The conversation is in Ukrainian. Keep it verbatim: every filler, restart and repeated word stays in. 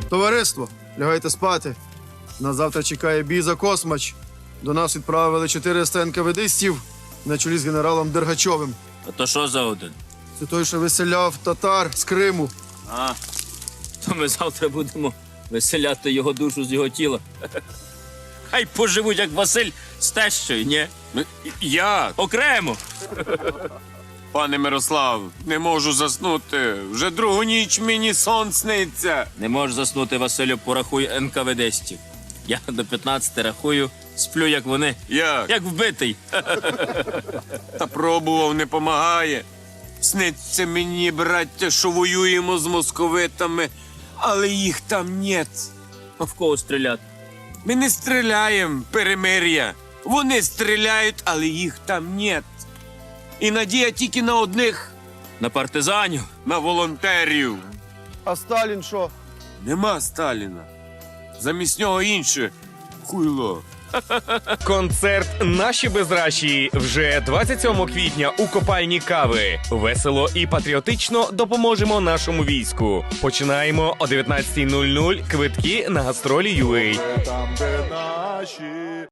Товариство, лягайте спати. Нас завтра чекає бій за Космач. До нас відправили чотириста енкаведистів на чолі з генералом Дергачовим. А то що за один? Це той, що виселяв татар з Криму. А, то ми завтра будемо виселяти його душу з його тіла. Хай поживуть, як Василь з тещою, ні? Я, Окремо. пане Мирослав, не можу заснути. Вже другу ніч мені сон сниться. Не можеш заснути, Василю, порахуй енкаведистів. Я до п'ятнадцяти рахую, сплю, як вони, Як? як вбитий. Та пробував, не помагає. Сниться мені, браття, що воюємо з московитами, але їх там нет. А в кого стріляти? Ми не стріляємо, перемир'я. Вони стріляють, але їх там нет. І надія тільки на одних, На партизанів. на волонтерів. А Сталін що? Нема Сталіна. Замість нього інше хуйло. Концерт «Наші безращі» вже двадцять сьомого квітня у копальні кави. Весело і патріотично допоможемо нашому війську. Починаємо о дев'ятнадцятій нуль нуль. Квитки на гастролі ю ей.